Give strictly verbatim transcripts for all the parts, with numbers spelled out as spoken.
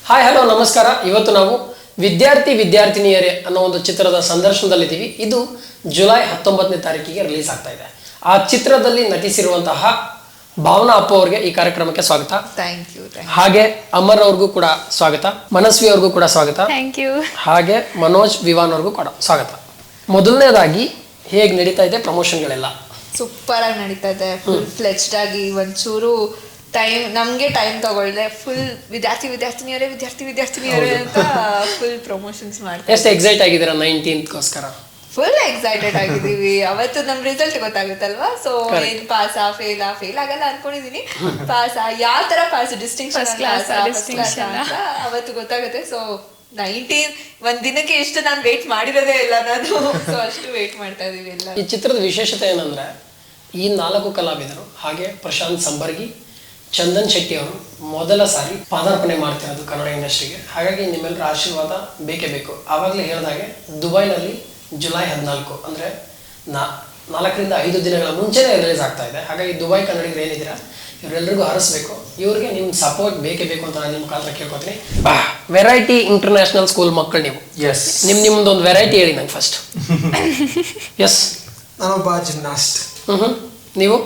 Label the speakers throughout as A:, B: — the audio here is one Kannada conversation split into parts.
A: ಹಾಯ್ ಹಲೋ ನಮಸ್ಕಾರ. ಇವತ್ತು ನಾವು ವಿದ್ಯಾರ್ಥಿ ವಿದ್ಯಾರ್ಥಿನಿಯರೇ ಅನ್ನೋ ಒಂದು ಚಿತ್ರದ ಸಂದರ್ಶನದಲ್ಲಿದ್ದೀವಿ. ಇದು ಜುಲೈ ಹತ್ತೊಂಬತ್ತನೇ ತಾರೀಕಿಗೆ ರಿಲೀಸ್ ಆಗ್ತಾ ಇದೆ. ಆ ಚಿತ್ರದಲ್ಲಿ ನಟಿಸಿರುವಂತಹ ಭಾವನಾ ಅಪ್ಪ ಅವರಿಗೆ ಈ ಕಾರ್ಯಕ್ರಮಕ್ಕೆ ಸ್ವಾಗತ.
B: Thank you.
A: ಹಾಗೆ ಅಮರ್ ಅವ್ರಿಗೂ ಕೂಡ ಸ್ವಾಗತ, ಮನಸ್ವಿ ಅವ್ರಿಗೂ ಕೂಡ ಸ್ವಾಗತ.
B: Thank you.
A: ಹಾಗೆ ಮನೋಜ್ ವಿವಾನ್ ಅವ್ರಿಗೂ ಕೂಡ ಸ್ವಾಗತ. ಮೊದಲನೇದಾಗಿ ಹೇಗೆ ನಡೀತಾ ಇದೆ ಪ್ರಮೋಷನ್ಗಳೆಲ್ಲ?
B: ಸೂಪರ್ ಆಗಿ ನಡೀತಾ ಇದೆ. ಫುಲ್ ಫ್ಲೆಜ್ಡ್ ಆಗಿ ಒಂಚೂರು ಟೈಮ್ ನಮ್ಗೆ ಟೈಮ್ ತಗೊಳ್ದೆ ಫುಲ್ ವಿದ್ಯಾರ್ಥಿ ವಿದ್ಯಾರ್ಥಿನಿಯರೇ ವಿದ್ಯಾರ್ಥಿ ವಿದ್ಯಾರ್ಥಿನಿಯರೇ ಅಂತ ಫುಲ್ ಪ್ರಮೋಷನ್ಸ್ ಮಾಡ್ತಾರೆ.
A: ಎಷ್ಟು ಎಕ್ಸೈಟ್ ಆಗಿದ್ದೀರಾ ನೈನ್ಟೀನ್ತ್ಗೋಸ್ಕರ?
B: ಫುಲ್ ಎಕ್ಸೈಟೆಡ್ ಆಗಿದ್ದೀವಿ. ಅವತ್ತು ನಮ್ ರಿಸಲ್ಟ್ ಗೊತ್ತಾಗುತ್ತಲ್ವಾ, ಸೊ ಏನ್ ಪಾಸ್ ಆ ಫೇಲ್ ಆ ಫೇಲ್ ಆಗಲ್ಲ ಅನ್ಕೊಂಡಿದೀನಿ. ಪಾಸ್ ಯಾವ ತರ ಪಾಸ್ ಡಿಸ್ಟಿಂಕ್ಷನ್ ಅಂತ ಅವತ್ತು ಗೊತ್ತಾಗುತ್ತೆ. ಸೊ ನೈನ್ಟೀನ್ ಒಂದ್ ದಿನಕ್ಕೆ ಎಷ್ಟು ನಾನು ವೇಟ್ ಮಾಡಿರೋದೇ ಇಲ್ಲ ನಾನು. ಸೊ ಅಷ್ಟು ವೇಟ್ ಮಾಡ್ತಾ ಇದೀವಿ ಎಲ್ಲ.
A: ಈ ಚಿತ್ರದ ವಿಶೇಷತೆ ಏನಂದ್ರೆ ಈ ನಾಲ್ಕು ಕಲಾವಿದರು ಹಾಗೆ ಪ್ರಶಾಂತ್ ಸಂಬರ್ಗಿ, ಚಂದನ್ ಶೆಟ್ಟಿ ಅವರು ಮೊದಲ ಸಾರಿ ಪಾದಾರ್ಪಣೆ ಮಾಡ್ತಿರೋದು ಕನ್ನಡ ಇಂಡಸ್ಟ್ರಿಗೆ. ಹಾಗಾಗಿ ನಿಮ್ಮೆಲ್ಲರ ಆಶೀರ್ವಾದ ಬೇಕೇ ಬೇಕು. ಆವಾಗಲೇ ಹೇಳಿದಾಗೆ ದುಬೈನಲ್ಲಿ ಜುಲೈ ಹದಿನಾಲ್ಕು ಅಂದರೆ ನಾ ನಾಲ್ಕರಿಂದ ಐದು ದಿನಗಳ ಮುಂಚೆನೇ ರಿಲೀಸ್ ಆಗ್ತಾ ಇದೆ. ಹಾಗಾಗಿ ದುಬೈ ಕನ್ನಡಿಗರು ಏನಿದ್ದೀರಾ ಇವರೆಲ್ಲರಿಗೂ ಹರಿಸ್ಬೇಕು. ಇವ್ರಿಗೆ ನಿಮ್ಮ ಸಪೋರ್ಟ್ ಬೇಕೇ ಬೇಕು ಅಂತ ನಾನು ನಿಮ್ಮ ಕಾಲತ್ರ ಕೇಳ್ಕೊತೀನಿ. ವೆರೈಟಿ ಇಂಟರ್ನ್ಯಾಷನಲ್ ಸ್ಕೂಲ್ ಮಕ್ಕಳು ನೀವು.
C: ಎಸ್.
A: ನಿಮ್ ನಿಮ್ದು ಒಂದು ವೆರೈಟಿ ಹೇಳಿ ನಂಗೆ ಫಸ್ಟ್. ಎಸ್.
C: ನಾನೊಬ್ಬ ಜಿಮ್ನಾಸ್ಟ್.
A: ಹ್ಮ್ ನೀವು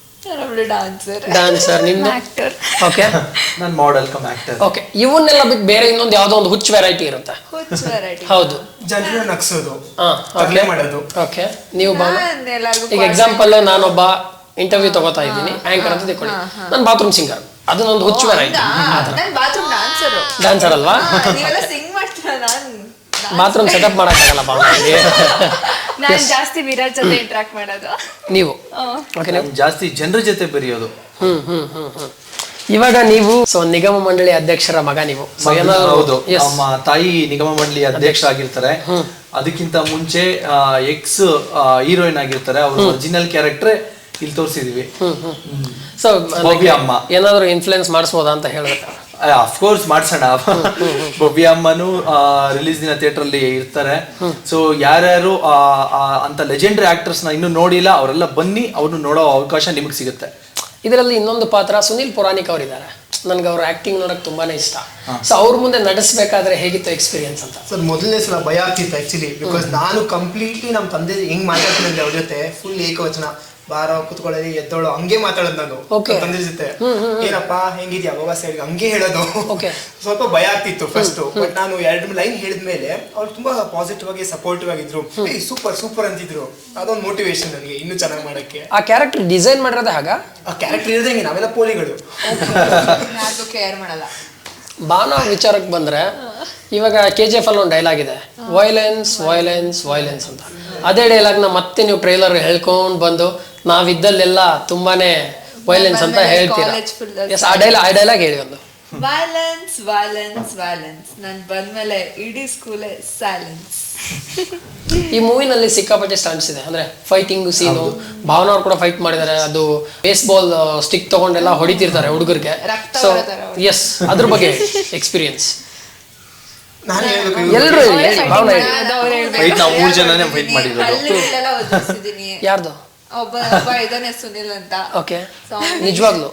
B: ಡಾನ್ಸರ್.
A: ಡಾನ್ಸರ್. ನಿಮ್ದು
B: ಆಕ್ಟರ್.
A: ಓಕೆ.
C: ನಾನು ಮಾಡೆಲ್ ಕಮ್ ಆಕ್ಟರ್.
A: ಓಕೆ. ಇವನ್ನೆಲ್ಲ ಬಿಟ್ಟು ಬೇರೆ ಇನ್ನೊಂದು ಯಾವುದೋ ಒಂದು ಹುಚ್ಚು ವೆರೈಟಿ ಇರುತ್ತೆ.
B: ಹುಚ್ಚ ವೆರೈಟಿ.
A: ಹೌದು.
C: ಜನರನ್ನ ನಗ್ಸೋದು,
A: ಹಾ,
C: ತರಲೆ ಮಾಡೋದು.
A: ಓಕೆ. ನೀವು ಭಾವನಾ?
B: ನಾನ್ ಎಲ್ಲರಿಗೂ
A: ಈಗ ಎಕ್ಸಾಂಪಲ್ ನಾನೊಬ್ಬ ಇಂಟರ್ವ್ಯೂ ತಗೋತಾ ಇದ್ದೀನಿ, ಆಂಕರ್ ಅಂತ ತಿಳ್ಕೊಳ್ಳಿ. ನಾನು ಬಾತ್ರೂಮ್ ಸಿಂಗರ್, ಅದು ನಂದು ಹುಚ್ಚು ವೆರೈಟಿ.
B: ನಾನು ಬಾತ್ರೂಮ್ ಡಾನ್ಸರ್.
A: ಡಾನ್ಸರ್ ಅಲ್ವಾ?
B: ನೀವೆಲ್ಲ ಸಿಂಗ್ ಮಾಡ್ತೀರಾ? ನಾನು
A: ಬಾತ್ರೂಮ್ ಸೆಟಪ್ ಮಾಡಕ್ಕಾಗಲ್ಲ ಭಾವನಾಗೆ.
B: ನಾನು ಜಾಸ್ತಿ ವಿರಾಜ್ ಜೊತೆ ಇಂಟ್ರಾಕ್ಟ್ ಮಾಡೋದು.
A: ನೀವು ಓಕೆ. ನೀವು
C: ಜಾಸ್ತಿ ಜನರ ಜೊತೆ ಬೆರೆಯೋದು.
A: ಹ್ಮ್ ಹ್ಮ್ ಹ್ಮ್ ಹ್ಮ್ ಇವಾಗ ನೀವು ಸೊ ನಿಗಮ ಮಂಡಳಿ ಅಧ್ಯಕ್ಷರ ಮಗ ನೀವು. So ಏನಾದ್ರು-
C: ಹೌದು.
A: Yes.
C: ನಮ್ಮ ತಾಯಿ ನಿಗಮ ಮಂಡಳಿ ಅಧ್ಯಕ್ಷ ಆಗಿರ್ತಾರೆ. ಅದಕ್ಕಿಂತ ಮುಂಚೆ ಎಕ್ಸ್ ಹೀರೋಯಿನ್ ಆಗಿರ್ತಾರೆ. ಅವ್ರ ಒರಿಜಿನಲ್ ಕ್ಯಾರೆಕ್ಟರ್ ಇಲ್ಲಿ ತೋರಿಸಿದೀವಿ.
A: ಸೊ
C: ಭವ್ಯ ಅಮ್ಮ.
A: ಏನಾದ್ರು ಇನ್ಫ್ಲುಯೆನ್ಸ್ ಮಾಡಿಸ್ಬೋದಾ ಅಂತ ಹೇಳ್ಬೇಕು.
C: ಅಫ್ಕೋರ್ಸ್ ಮಾಡ್ಸೋಣ. ಭವ್ಯ ಅಮ್ಮನು ರಿಲೀಸ್ ದಿನ ಥಿಯೇಟರ್ ಅಲ್ಲಿ ಇರ್ತಾರೆ. ಸೊ ಯಾರ್ಯಾರು ಆ, ಆ, ಅಂತ ಲೆಜೆಂಡರಿ ಆಕ್ಟರ್ಸ್ ನ ಇನ್ನೂ ನೋಡಿಲ್ಲ ಅವರೆಲ್ಲ ಬನ್ನಿ, ಅವ್ರನ್ನ ನೋಡೋ ಅವಕಾಶ ನಿಮಗೆ ಸಿಗುತ್ತೆ.
A: ಇದರಲ್ಲಿ ಇನ್ನೊಂದು ಪಾತ್ರ ಸುನಿಲ್ ಪುರಾಣಿಕ್ ಅವರಿದ್ದಾರೆ. ನನ್ಗೆ ಅವ್ರ ಆಕ್ಟಿಂಗ್ ನೋಡಕ್ ತುಂಬಾನೇ ಇಷ್ಟ. ಸೊ ಅವ್ರ ಮುಂದೆ ನಡೆಸಬೇಕಾದ್ರೆ ಹೇಗಿತ್ತು ಎಕ್ಸ್ಪೀರಿಯನ್ಸ್ ಅಂತ?
D: ಸರ್ ಮೊದಲನೇ ಸಲ ಭಯ ಆಗ್ತಿತ್ತು ಆಕ್ಚುಲಿ. ಬಿಕಾಸ್ ನಾನು ಕಂಪ್ಲೀಟ್ಲಿ ನಮ್ಮ ತಂದೆ ಹೆಂಗ್ ಮಾತಾಡ್ತಿದ್ದೆ ಅವ್ರ ಜೊತೆ ಫುಲ್ ಏಕವಚನ, ಬಾರೋ ಕುತ್ಕೊಳ್ಳಿ ಎದ್ದೋಳು ಹಂಗೆ ಮಾತಾಡೋದು ನಾನು ತಂದೆ ಜೊತೆ. ಏನಪ್ಪ ಹೆಂಗಿದ್ಯಾ ಬಾಬಾ ಸೈಡ್ ಹಂಗೆ ಹೇಳೋದು. ಸ್ವಲ್ಪ ಭಯ ಆಗ್ತಿತ್ತು ಫಸ್ಟ್. ಬಟ್ ನಾನು ಎರಡು ಲೈನ್ ಹೇಳಿದ್ಮೇಲೆ ಅವ್ರು ತುಂಬಾ ಪಾಸಿಟಿವ್ ಆಗಿ ಸಪೋರ್ಟಿವ್ ಆಗಿದ್ರು. ಸೂಪರ್ ಸೂಪರ್ ಅಂತಿದ್ರು. ಅದೊಂದು ಮೋಟಿವೇಶನ್ ನನಗೆ ಇನ್ನೂ ಚೆನ್ನಾಗಿ ಮಾಡಕ್ಕೆ.
A: ಆ ಕ್ಯಾರೆಕ್ಟರ್ ಡಿಸೈನ್ ಮಾಡಿರೋದೇ ಹಾಗ?
D: ಆ ಕ್ಯಾರೆಕ್ಟರ್ ಇರೋದೇ ಹಿಂಗೆ, ನಾವೆಲ್ಲ ಪೋಲಿಗಳು.
B: ಯಾರು ಕೇರ್ ಮಾಡಲ್ಲ.
A: ಬಾನ ವಿಚಾರಕ್ಕೆ ಬಂದ್ರೆ ಇವಾಗ ಕೆ ಜಿ ಎಫ್ ಅಲ್ಲಿ ಒಂದು ಡೈಲಾಗ್ ಇದೆ, ವೈಲೆನ್ಸ್ ವೈಲೆನ್ಸ್ ವೈಲೆನ್ಸ್ ಅಂತ. ಅದೇ ಡೈಲಾಗ್ನ ಮತ್ತೆ ನೀವು ಟ್ರೈಲರ್ ಹೇಳ್ಕೊಂಡು ಬಂದು ನಾವಿದ್ದಲ್ಲೆಲ್ಲ ತುಂಬಾನೇ ವೈಲೆನ್ಸ್ ಅಂತ ಹೇಳ್ತೀರಾ. ಎಸ್, ಆ ಡೈಲಾಗ್ ಆ ಡೈಲಾಗ್ ಹೇಳಿ ಒಂದು.
B: Violence violence violence. ನಾನು ಬಂದ್ಮೇಲೆ ಇಡೀ ಸ್ಕೂಲೇ ಸೈಲೆನ್ಸ್.
A: ಈ ಮೂವಿನಲ್ಲಿ ಸಿಕ್ಕಾಪಟ್ಟೆ ಸ್ಟಂಟ್ಸ್ ಇದೆ, ಅಂದ್ರೆ ಫೈಟಿಂಗ್ ಸೀನು. ಭಾವನಾ ಅವ್ರು ಕೂಡ ಫೈಟ್ ಮಾಡಿದ್ದಾರೆ. ಅದು ಬೇಸ್ ಬಾಲ್ ಸ್ಟಿಕ್ ತಗೊಂಡೆಲ್ಲ ಹೊಡಿತಿರ್ತಾರೆ ಹುಡುಗರಿಗೆ. ಸೊ ಎಸ್, ಅದ್ರ ಬಗ್ಗೆ ಎಕ್ಸ್ಪೀರಿಯನ್ಸ್
D: ನಾನು ಹೇಳ್ಬೇಕು
A: ಎಲ್ರು ಭಾವನಾ
C: ಫೈಟ್ ನಾವು ಮೂರು ಜನನೇ ಫೈಟ್ ಮಾಡಿರೋದು.
B: ಅಲ್ಲಿ ಇಲ್ಲೆಲ್ಲ ಓದಿಸಿದೀನಿ.
A: ಯಾರ್ದು?
B: ಒಬ್ಬ ಒಬ್ಬ ಇದಾನೆ ಸುನಿಲ್ ಅಂತ.
A: ಓಕೆ. ನಿಜವಾಗ್ಲು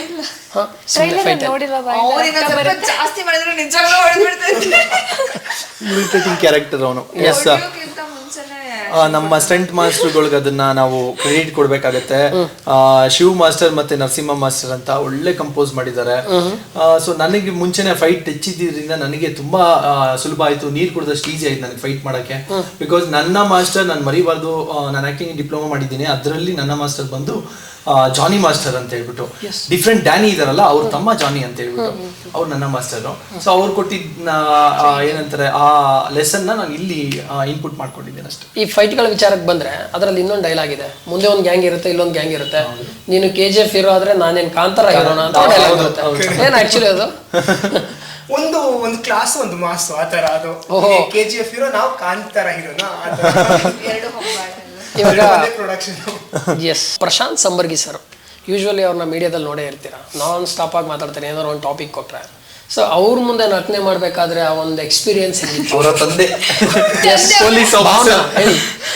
B: ಅವ್ರಿನ ಸ್ವಲ್ಪ ಜಾಸ್ತಿ ಮಾಡಿದ್ರೆ ನಿಜವಾಗ್ಲೂ ಹೊಡೆದ್ಬಿಡ್ತೈತೆ.
C: ಇರಿಟೇಟಿಂಗ್ ಕ್ಯಾರೆಕ್ಟರ್ ಅವನು. ಎಸ್.
B: ಹೊಡೆಯೋಕ್ಕಿಂತ ಮುಂಚೆನೆ
C: ನಮ್ಮ ಸ್ಟಂಟ್ ಮಾಸ್ಟರ್ಗಳಿಗೆ ಅದನ್ನ ನಾವು ಕ್ರೆಡಿಟ್ ಕೊಡ್ಬೇಕಾಗತ್ತೆ. ಶಿವ್ ಮಾಸ್ಟರ್ ಮತ್ತೆ ನರಸಿಂಹ ಮಾಸ್ಟರ್ ಅಂತ ಒಳ್ಳೆ ಕಂಪೋಸ್ ಮಾಡಿದ್ದಾರೆ. ಸೊ ನನಗೆ ಮುಂಚೆನೆ ಫೈಟ್ ಹೆಚ್ಚಿದ್ರಿಂದ ನನಗೆ ತುಂಬಾ ಸುಲಭ ಆಯ್ತು, ನೀರ್ ಕುಡಿದಷ್ಟು ಈಸಿ ಆಯ್ತು ನನಗೆ ಫೈಟ್ ಮಾಡಕ್ಕೆ. ಬಿಕಾಸ್ ನನ್ನ ಮಾಸ್ಟರ್ ನಾನು ಮರಿಬಾರ್ದು, ನಾನು ಆಕ್ಟಿಂಗ್ ಡಿಪ್ಲೊಮಾ ಮಾಡಿದ್ದೀನಿ, ಅದರಲ್ಲಿ ನನ್ನ ಮಾಸ್ಟರ್ ಬಂದು ಜಾನಿ ಮಾಸ್ಟರ್ ಅಂತ ಹೇಳ್ಬಿಟ್ಟು, ಡಿಫ್ರೆಂಟ್ ಡ್ಯಾನಿ ಇದಾರಲ್ಲ ಅವ್ರ ತಮ್ಮ ಜಾನಿ ಅಂತ ಹೇಳ್ಬಿಟ್ಟು ಅವ್ರು ನನ್ನ ಮಾಸ್ಟರ್. ಸೊ ಅವ್ರು ಕೊಟ್ಟಿದ್ದ ಏನಂತಾರೆ ಆ ಲೆಸನ್ ನಾನು ಇಲ್ಲಿ ಇನ್ಪುಟ್ ಮಾಡ್ಕೊಂಡಿದ್ದೇನೆ ಅಷ್ಟೇ.
A: ಈ ಫೈಟ್ಗಳ ವಿಚಾರಕ್ಕೆ ಬಂದ್ರೆ ಅದರಲ್ಲಿ ಇನ್ನೊಂದು ಡೈಲಾಗ್ ಇದೆ, ಮುಂದೆ ಒಂದು ಗ್ಯಾಂಗ್ ಇರುತ್ತೆ, ಇಲ್ಲೊಂದು ಗ್ಯಾಂಗ್ ಇರುತ್ತೆ. ನೀನು ಕೆ ಜಿ ಎಫ್ ಹೀರೋ ಆದ್ರೆ ನಾನೇನ್ ಕಾಂತಾರ ಹೀರೋಣ ಅಂತ ಡೈಲಾಗ್ ಇರುತ್ತೆ. ಏನ್ ಆಕ್ಚುಲಿ ಅದು
D: ಒಂದು ಒಂದು ಕ್ಲಾಸ್ ಒಂದು ಮಾಸ್ ಆತರ. ಅದು ಕೆ ಜಿ ಎಫ್ ಹೀರೋ, ನಾವು ಕಾಂತಾರ ಹೀರೋನಾ
B: ಎರಡು ಹೊಂಬಾಳೆ.
A: ಇವಾಗ
D: production.
A: Yes, Prashanth Sambargi sir usually ಅವ್ರನ್ನ ಮೀಡಿಯಾದಲ್ಲಿ ನೋಡೇ ಇರ್ತೀರಾ, ನಾನ್ ಸ್ಟಾಪ್ ಆಗಿ ಮಾತಾಡ್ತಾರೆ ಏನಾದ್ರು ಒಂದು ಟಾಪಿಕ್ ಕೊಟ್ರೆ. ಸೊ ಅವ್ರ ಮುಂದೆ ನಟನೆ ಮಾಡ್ಬೇಕಾದ್ರೆ ಆ ಒಂದು ಎಕ್ಸ್ಪೀರಿಯನ್ಸ್
C: ಅವರ ತಂದೆ
A: ಪೊಲೀಸ್ ಹೇಳಿ.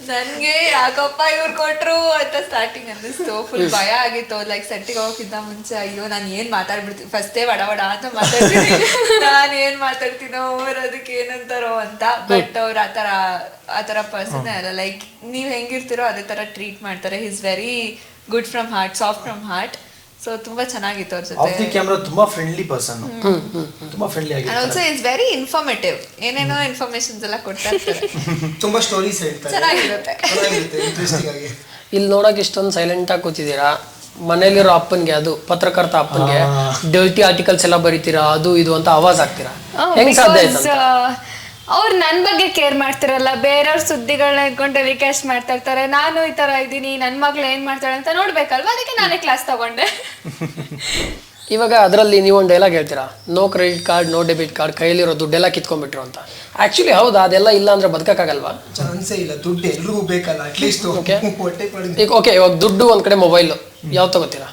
B: ನನ್ಗೆ ಯಾಕಪ್ಪ ಇವ್ರು ಕೊಟ್ರು ಅಂತ ಸ್ಟಾರ್ಟಿಂಗ್ ಅನ್ನಿಸ್ತು. ಫುಲ್ ಭಯ ಆಗಿತ್ತು. ಲೈಕ್ ಸೆಟ್ಟಿಗೆ ಹೋಗೋಕ್ಕಿಂತ ಮುಂಚೆ ಅಯ್ಯೋ ನಾನು ಏನ್ ಮಾತಾಡ್ಬಿಡ್ತೀನಿ ಫಸ್ಟೇ ವಡ ವಡ ಅಂತ ಮಾತಾಡ್ತೀನಿ, ನಾನು ಏನ್ ಮಾತಾಡ್ತೀನೋ ಅವ್ರು ಅದಕ್ಕೆ ಏನಂತಾರೋ ಅಂತ. ಬಟ್ ಅವ್ರು ಆತರ ಆತರ ಪರ್ಸನ್ ಅಲ್ಲ. ಲೈಕ್ ನೀವ್ ಹೆಂಗಿರ್ತಿರೋ ಅದೇ ತರ ಟ್ರೀಟ್ ಮಾಡ್ತಾರೆ. He's very good from heart, soft from heart. So ತುಂಬಾ ಚೆನ್ನಾಗಿತ್ತು ಅವ್ರ ಜೊತೆ.
C: ಆಫ್ ದಿ ಕ್ಯಾಮೆರಾ ತುಂಬಾ ಫ್ರೆಂಡ್ಲಿ ಪರ್ಸನ್, ತುಂಬಾ ಫ್ರೆಂಡ್ಲಿ
B: ಅಂಡ್
C: ಆಗಿರ್ತಾರೆ.
B: Also is very informative. ಏನೇನೋ ಇನ್ಫಾರ್ಮೇಶನ್ಸ್ ಎಲ್ಲ ಕೊಡ್ತಾ ಇರ್ತಾರೆ.
D: ತುಂಬಾ ಸ್ಟೋರೀಸ್ ಹೇಳ್ತಾರೆ,
B: ಚೆನ್ನಾಗಿರುತ್ತೆ.
D: ಚೆನ್ನಾಗಿರುತ್ತೆ, ಇಂಟ್ರೆಸ್ಟಿಂಗ್ ಆಗಿ.
A: ಇಲ್ಲಿ ನೋಡಕ್ ಇಷ್ಟೊಂದು ಸೈಲೆಂಟ್ ಆಗಿ ಕೂತಿದ್ದೀರಾ. ಮನೇಲಿರೋ ಅಪ್ಪನ್ಗೆ, ಅದು ಪತ್ರಕರ್ತ ಅಪ್ಪನ್ಗೆ ಡರ್ಟಿ ಆರ್ಟಿಕಲ್ಸ್ ಎಲ್ಲ ಬರೀತೀರಾ, ಅದು ಇದು ಅಂತ ಆವಾಜ್ ಆಗ್ತೀರಾ. ಹೆಂಗ್ ಸಾಧ್ಯ ಆಯ್ತು?
E: ಅವ್ರು ನನ್ನ ಬಗ್ಗೆ ಕೇರ್ ಮಾಡ್ತಿರಲ್ಲ, ಬೇರೆಯವ್ರ ಸುದ್ದಿಗಳನ್ನ ಇಟ್ಕೊಂಡು ಟೆಲಿಕಾಸ್ಟ್ ಮಾಡ್ತಾ ಇರ್ತಾರೆ. ನಾನು ಈ ತರ ಇದ್ದೀನಿ, ನನ್ನ ಮಗಳು ಏನ್ ಮಾಡ್ತಾಳೆ ಅಂತ ನೋಡ್ಬೇಕಲ್ವಾ, ಅದಕ್ಕೆ ನಾನೇ ಕ್ಲಾಸ್ ತಗೊಂಡೆ.
A: ಇವಾಗ ಅದರಲ್ಲಿ ನೀವು ಒಂದು ಡೈಲಾಗ್ ಹೇಳ್ತೀರಾ, no credit card no debit card, ಕೈಯಲ್ಲಿರೋ ದುಡ್ಡೆಲ್ಲ ಕಿತ್ಕೊಂಡ್ಬಿಟ್ರು ಅಂತ. ಆಕ್ಚುಲಿ ಹೌದಾ? ಅದೆಲ್ಲ ಇಲ್ಲ ಅಂದ್ರೆ ಬದುಕಕ್ಕಾಗಲ್ವಾ?
D: ಚಾನ್ಸೇ ಇಲ್ಲ. ದುಡ್ಡು ಎಲ್ರಿಗೂ ಬೇಕಲ್ಲ, ಅಟ್ಲೀಸ್ಟ್
A: Okay.
D: ಹೊಟ್ಟೆ ಪಡಿ.
A: ಈಗ ಓಕೆ, ಇವಾಗ ದುಡ್ಡು ಒಂದ್ ಕಡೆ, ಮೊಬೈಲ್ ಯಾವ್ದು ತಗೋತೀರಾ?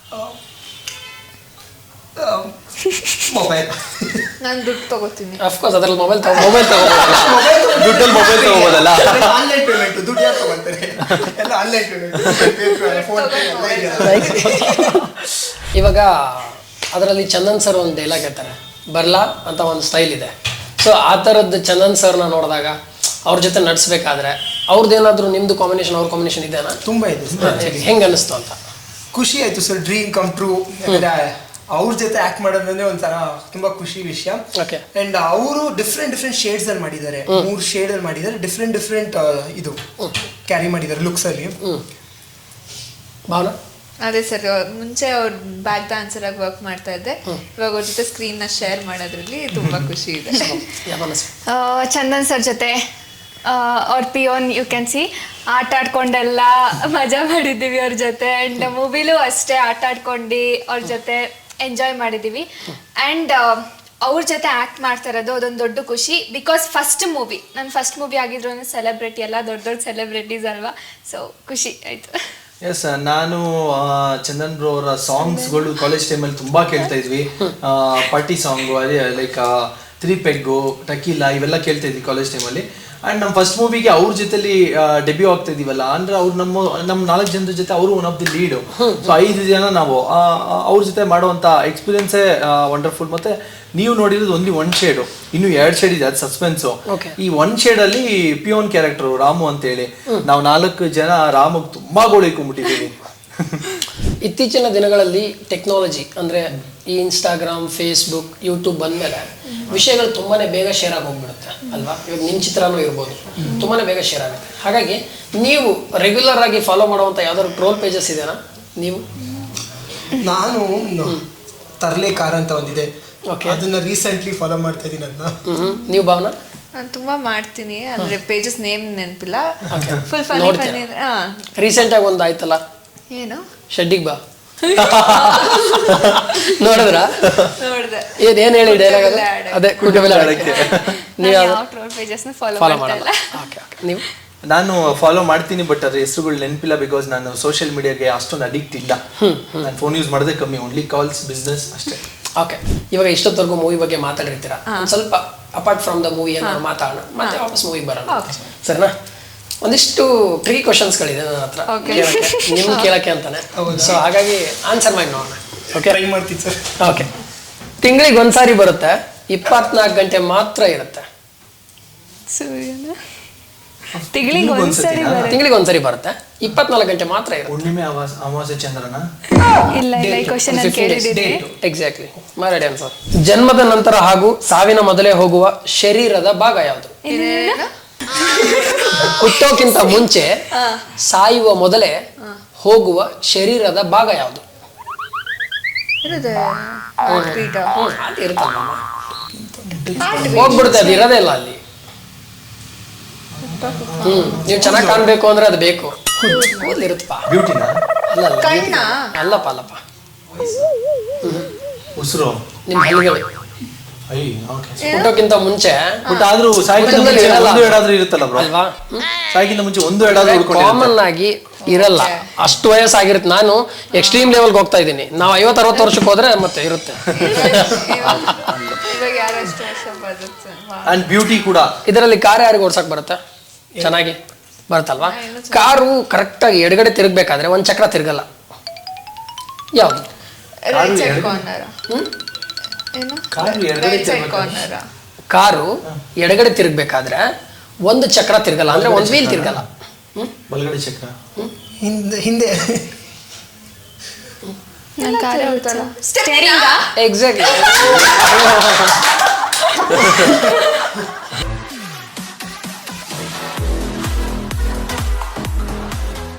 D: ಮೊಬೈಲ್.
B: ನಾನು ದುಡ್ಡು ತಗೋತೀನಿ.
A: ಅಫ್ಕೋರ್ಸ್ ಅದ್ರಲ್ಲಿ ಮೊಬೈಲ್ ತಗೋ ಮೊಬೈಲ್ ತಗೋಬೋದಲ್ಲ.
C: ದುಡ್ಡಲ್ಲಿ ಮೊಬೈಲ್ ತಗೋಬೋದಲ್ಲ.
D: ಆನ್ಲೈನ್ ಪೇಮೆಂಟ್, ದುಡ್ಡು ಯಾರು ತಗೊಂತಾರೆ? ಎಲ್ಲ ಆನ್ಲೈನ್ ಪೇಮೆಂಟ್, ಫೋನ್ ಪೇ ಎಲ್ಲ ಇದೆ.
A: ಇವಾಗ ಅದರಲ್ಲಿ ಚಂದನ್ ಸರ್ ಒಂದು ಡೈಲಾಗ್ ಹೇಳ್ತಾರೆ, ಬರ್ಲಾ ಅಂತ ಒಂದು ಸ್ಟೈಲ್ ಇದೆ. ಸೊ ಆ ಥರದ್ದು ಚಂದನ್ ಸರ್ನ ನೋಡಿದಾಗ ಅವ್ರ ಜೊತೆ ನಡ್ಸ್ಬೇಕಾದ್ರೆ ಅವ್ರದ್ದೇನಾದ್ರೂ ನಿಮ್ದು ಕಾಂಬಿನೇಷನ್ ಅವ್ರ ಕಾಂಬಿನೇಷನ್ ಇದೆನಾ?
D: ತುಂಬಾ ಇದೆ ಸರ್.
A: ಹೆಂಗ್ ಅನಿಸ್ತು ಅಂತ?
D: ಖುಷಿ ಆಯ್ತು ಸರ್. Dream come true. ಅವ್ರ ಜೊತೆ ಆಕ್ಟ್ ಮಾಡೋದಂದ್ರೆ ಒಂಥರ ತುಂಬಾ ಖುಷಿ ವಿಷಯ.
A: ಓಕೆ.
D: ಅಂಡ್ ಅವರು ಡಿಫ್ರೆಂಟ್ ಡಿಫ್ರೆಂಟ್ ಶೇಡ್ಸ್ ಅಲ್ಲಿ ಮಾಡಿದ್ದಾರೆ, ಮೂರ್ ಶೇಡ್ ಅಲ್ಲಿ ಮಾಡಿದ್ದಾರೆ. ಡಿಫ್ರೆಂಟ್ ಡಿಫ್ರೆಂಟ್ ಇದು ಕ್ಯಾರಿ ಮಾಡಿದ್ದಾರೆ ಲುಕ್ಸ್ ಅಲ್ಲಿ.
A: ಭಾವನಾ?
B: ಅದೇ ಸರ್, ಮುಂಚೆ ಅವ್ರ ಬ್ಯಾಕ್ ಡಾನ್ಸರ್ ಆಗಿ ವರ್ಕ್ ಮಾಡ್ತಾ ಇದ್ದೆ. ಇವಾಗ ಅವ್ರ ಜೊತೆ ಸ್ಕ್ರೀನ್ ನ ಶೇರ್ ಮಾಡೋದ್ರಲ್ಲಿ ತುಂಬಾ ಖುಷಿ ಇದೆ.
E: ಆ, ಚಂದನ್ ಸರ್ ಜೊತೆ ಅವ್ರ ಪಿಯೋನ್ ಯು ಕ್ಯಾನ್ ಸಿ ಆಟ ಆಡ್ಕೊಂಡೆಲ್ಲ ಮಜಾ ಮಾಡಿದ್ದೀವಿ ಅವ್ರ ಜೊತೆ. ಆ್ಯಂಡ್ ಮೂವಿಲೂ ಅಷ್ಟೇ ಆಟ ಆಡ್ಕೊಂಡು ಅವ್ರ ಜೊತೆ ಎಂಜಾಯ್ ಮಾಡಿದ್ದೀವಿ. ಆ್ಯಂಡ್ ಅವ್ರ ಜೊತೆ ಆ್ಯಕ್ಟ್ ಮಾಡ್ತಾ ಇರೋದು ಅದೊಂದು ದೊಡ್ಡ ಖುಷಿ. ಬಿಕಾಸ್ ಫಸ್ಟ್ ಮೂವಿ, ನನ್ನ ಫಸ್ಟ್ ಮೂವಿ ಆಗಿದ್ರು ಸೆಲೆಬ್ರಿಟಿ ಎಲ್ಲ ದೊಡ್ಡ ದೊಡ್ಡ ಸೆಲೆಬ್ರಿಟೀಸ್ ಅಲ್ವಾ. ಸೊ ಖುಷಿ ಆಯಿತು.
C: ಎಸ್, ನಾನು ಚಂದನ್ ಬ್ರೋ ಅವರ ಸಾಂಗ್ಸ್ಗಳು ಕಾಲೇಜ್ ಟೈಮಲ್ಲಿ ತುಂಬ ಕೇಳ್ತಾ ಇದ್ವಿ. ಪಾರ್ಟಿ ಸಾಂಗು, ಅದೇ ಲೈಕ್ ತ್ರೀ ಪೆಗ್ಗು, ಟಕೀಲಾ, ಇವೆಲ್ಲ ಕೇಳ್ತಾ ಇದ್ವಿ ಕಾಲೇಜ್ ಟೈಮಲ್ಲಿ. ಆ್ಯಂಡ್ ನಮ್ಮ ಫಸ್ಟ್ ಮೂವಿಗೆ ಅವ್ರ ಜೊತೆಲಿ ಡೆಬ್ಯೂ ಆಗ್ತಾ ಇದೀವಲ್ಲ, ಅಂದ್ರೆ ಅವ್ರು ನಮ್ಮ ನಮ್ಮ ನಾಲ್ಕು ಜನರ ಜೊತೆ ಅವರು one of the lead. So ಐದು ಜನ ನಾವು ಅವ್ರ ಜೊತೆ ಮಾಡುವಂಥ ಎಕ್ಸ್ಪೀರಿಯನ್ಸೇ ವಂಡರ್ಫುಲ್. ಮತ್ತೆ ನೀವು ನೋಡಿರೋದು ಓನ್ಲಿ ಒನ್ ಶೇಡು, ಇನ್ನು ಎರಡು ಶೇಡ್ ಇದೆ, ಅದು ಸಸ್ಪೆನ್ಸು. ಈ ಒನ್ ಶೇಡಲ್ಲಿ ಪಿಯೋನ್ ಕ್ಯಾರೆಕ್ಟರ್ ರಾಮು ಅಂತೇಳಿ ನಾವು ನಾಲ್ಕು ಜನ ರಾಮಗೆ ತುಂಬಾ ಗೋಳಿಕೊಂಡ್ಬಿಟ್ಟಿದ್ದೀವಿ.
A: ಇತ್ತೀಚಿನ ದಿನಗಳಲ್ಲಿ ಟೆಕ್ನಾಲಜಿ ಅಂದರೆ ಈ ಇನ್ಸ್ಟಾಗ್ರಾಮ್, ಫೇಸ್ಬುಕ್, ಯೂಟ್ಯೂಬ್ ಬಂದಮೇಲೆ ವಿಷಯಗಳು ತುಂಬಾ ಬೇಗ ಶೇರ್ ಆಗಿ ಹೋಗ್ಬಿಡುತ್ತೆ ಅಲ್ವಾ. ಇವಾಗ ನಿಮ್ಮ ಚಿತ್ರನೂ ಇರ್ಬೋದು, ತುಂಬಾ ಬೇಗ ಶೇರ್ ಆಗುತ್ತೆ. ಹಾಗಾಗಿ ನೀವು ರೆಗ್ಯುಲರ್ ಆಗಿ ಫಾಲೋ ಮಾಡುವಂಥ ಯಾವ್ದಾದ್ರು ಟ್ರೋಲ್ ಪೇಜಸ್ ಇದೆನಾ ನೀವು?
D: ನಾನು ತರ್ಲೆ ಕಾರ್ ಅಂತ ಒಂದಿದೆ,
A: Okay.
D: ಅದನ್ನ ರೀಸೆಂಟ್ಲಿ ಫಾಲೋ ಮಾಡ್ತಾ ಇದೀನಿ. ಅದನ್ನ
A: ನೀವು ಭಾವನಾ?
B: ನಾನು ತುಂಬಾ ಮಾಡ್ತೀನಿ, ಅಂದ್ರೆ ಪೇಜಸ್ ನೇಮ್ ನೆನಪಿಲ್ಲ. ಫುಲ್ ಫನಿ
A: ನೋಡ್ತೀರಾ?
B: ಫನಿ. ಹಾ,
A: ರೀಸೆಂಟ್ ಆಗಿ ಒಂದು ಆಯ್ತಲ್ಲ,
B: ಏನು
A: ಶೆಡ್ಡಿಗೆ ಬಾ ನೋಡಿದ್ರ?
B: ನೋಡ್ದೆ.
A: ಏನ್ ಏನ್ ಹೇಳಿ ಡೈಲಾಗ್?
B: ಕುಟುಂಬ ಆಡಕ್ಕೆ.
A: ಅದೇ ಕುಟುಂಬ ಆಡಕ್ಕೆ. ನೀವು
E: ಯಾವ ಟ್ರೋಲ್ ಪೇಜಸ್ನ ಫಾಲೋ
A: ಫಾಲೋ
E: ಮಾಡ್ತಾ
A: ಮಾಡಲ್ಲ?
E: ಇಲ್ಲ.
A: Okay okay. ನೀವು?
C: ನಾನು ಫಾಲೋ ಮಾಡ್ತೀನಿ, ಬಟ್ ಅದ್ರ ಹೆಸರುಗಳು ನೆನಪಿಲ್ಲ. ಬಿಕಾಸ್ ನಾನು ಸೋಷಿಯಲ್ ಮೀಡಿಯಾಗೆ ಅಷ್ಟೊಂದು ಅಡಿಕ್ಟ್ ಇಲ್ಲ. ನಾನು ಫೋನ್ ಯೂಸ್ ಮಾಡೋದೇ ಕಮ್ಮಿ, ಓನ್ಲಿ ಕಾಲ್ಸ್, ಬಿಸ್ನೆಸ್ ಅಷ್ಟೇ.
A: ಓಕೆ. ಇವಾಗ ಇಷ್ಟೊತ್ತವರೆಗೂ ಮೂವಿ ಬಗ್ಗೆ ಮಾತಾಡಿರ್ತೀರಾ, ಒಂದ್ ಸ್ವಲ್ಪ ಅಪಾರ್ಟ್ ಫ್ರಮ್ ದ ಮೂವಿ ಏನಾದ್ರು ಮಾತಾಡೋಣ, ಮತ್ತೆ ವಾಪಸ್ ಮೂವಿ ಬರೋಣ, ಸರಿನಾ? ಒಂದಿಷ್ಟು ಟ್ರೀ ಕ್ವಶನ್ಸ್ಗಳಿದೆ ನನ್ನ ಹತ್ರ ಕೇಳಕ್ಕೆ, ನಿಮ್ಗೆ ಕೇಳಕ್ಕೆ ಅಂತಾನೆ. ಸೊ ಹಾಗಾಗಿ ಆನ್ಸರ್ ಮಾಡಿ ನೋಡೋಣ. ಓಕೆ,
D: ಟ್ರೈ ಮಾಡ್ತೀನಿ ಸರ್.
A: ಓಕೆ. ತಿಂಗಳಿಗೆ ಒಂದ್ಸಾರಿ ಬರುತ್ತೆ, ಇಪ್ಪತ್ನಾಲ್ಕು ಗಂಟೆ ಮಾತ್ರ ಇರುತ್ತೆ.
E: ಸೂರ್ಯನ ತಿಂಗಳಿಗೆ ಒಂದ್ಸರಿ ಬರುತ್ತೆ.
A: ತಿಂಗಳಿಗೆ ಒಂದ್ಸರಿ ಬರುತ್ತೆ, ಇಪ್ಪತ್ನಾಲ್ಕು ಗಂಟೆ ಮಾತ್ರ ಇರುತ್ತೆ.
C: ಹುಣ್ಣಿಮೆ ಅಮಾವಾಸ್ಯೆ ಅಮಾವಾಸ್ಯೆ ಚಂದ್ರನ?
E: ಇಲ್ಲ ಇಲ್ಲ, ಈ ಕ್ವಶನ್ ಅಲ್ಲಿ ಕೇಳಿದ್ದೀನಿ.
A: ಎಕ್ಸಾಕ್ಟ್ಲಿ, ಮಾರಾಡಿ ಆನ್ಸರ್. ಜನ್ಮದ ನಂತರ ಹಾಗೂ ಸಾವಿನ ಮೊದಲೇ ಹೋಗುವ ಶರೀರದ ಭಾಗ ಯಾವುದು? ಹುಟ್ಟೋಕ್ಕಿಂತ ಮುಂಚೆ ಸಾಯುವ ಮೊದಲೇ ಹೋಗುವ ಶರೀರದ ಭಾಗ ಯಾವುದು?
B: ಇರುತ್ತೆ
A: ಹೋಗ್ಬಿಡುತ್ತೆ, ಅದು ಇರೋದೇ ಇಲ್ಲ ಅಲ್ಲಿ. ಹ್ಮ್ ನೀವು ಚೆನ್ನಾಗಿ ಕಾಣ್ಬೇಕು ಅಂದ್ರೆ ಅದು ಬೇಕು. ಕೂದಲಿರುತ್ತಪ್ಪ.
C: ಬ್ಯೂಟಿನ?
A: ಅಲ್ಲ ಅಲ್ಲ,
B: ಕಣ್ಣ?
A: ಅಲ್ಲಪ್ಪ ಅಲ್ಲಪ್ಪ,
C: ಉಸಿರು,
A: ನಿಮ್ಮ ಹಲ್ಲಿಗಳು.
C: I okay.
A: ಹುಟ್ಟೋಕ್ಕಿಂತ ಮುಂಚೆ
C: ಬಟ್ ಆದ್ರೂ ಸಾಯ್ಕಿಂತ ಮುಂಚೆ ಒಂದು ಎಡಾದ್ರೂ ಇರುತ್ತಲ್ಲ ಬ್ರೋ?
A: ಅಲ್ವಾ?
C: ಸಾಯ್ಕಿಂತ ಮುಂಚೆ ಒಂದು ಎಡಾದ್ರೂ ಉಳ್ಕೊಂಡಿರುತ್ತೆ.
A: ಕಾಮನ್ ಆಗಿ ಇರಲ್ಲ, ಅಷ್ಟು ವಯಸ್ಸಾಗಿರುತ್ತೆ. ನಾನು ಎಕ್ಸ್ಟ್ರೀಮ್ ಲೆವೆಲ್ಗೆ ಹೋಗ್ತಾ ಇದ್ದೀನಿ. ನಾವು ಐವತ್ತು ಅರವತ್ತು ವರ್ಷಕ್ಕೆ ಹೋದ್ರೆ ಮತ್ತೆ ಇರುತ್ತೆ.
B: ಇವಾಗ ಯಾರಷ್ಟು ವರ್ಷ ಬರುತ್ತೆ.
C: ಅಂಡ್ ಬ್ಯೂಟಿ ಕೂಡ.
A: ಇದರಲ್ಲಿ ಕಾರ್ ಯಾರಿಗೆ ಓಡ್ಸಕ್ ಬರುತ್ತೆ ಚೆನ್ನಾಗಿ? ಬರುತ್ತಲ್ವಾ? ಕಾರು ಕರೆಕ್ಟಾಗಿ ಎಡಗಡೆ ತಿರುಗಬೇಕಾದ್ರೆ ಒಂದು ಚಕ್ರ ತಿರುಗಲ್ಲ. ಯಾವುದು?
B: Right side corner. ಏನು
C: ಕಾರು ಎಡಗಡೆ
B: ರೈಟ್ ಸೈಡ್ ಕಾರ್ನರ್.
A: ಕಾರು ಎಡಗಡೆ ತಿರುಗಬೇಕಾದ್ರೆ ಒಂದು ಚಕ್ರ ತಿರುಗಲ್ಲ, ಅಂದ್ರೆ ಒಂದು ವೀಲ್ ತಿರುಗಲ್ಲ.
C: ಬಲಗಡೆ ಚಕ್ರ
D: ಹಿಂದೆ ಹಿಂದೆ
E: ನನ್ನ ಕಾರ
B: ತಿರುಗುತ್ತಲ್ಲ.
E: Steering
A: exactly.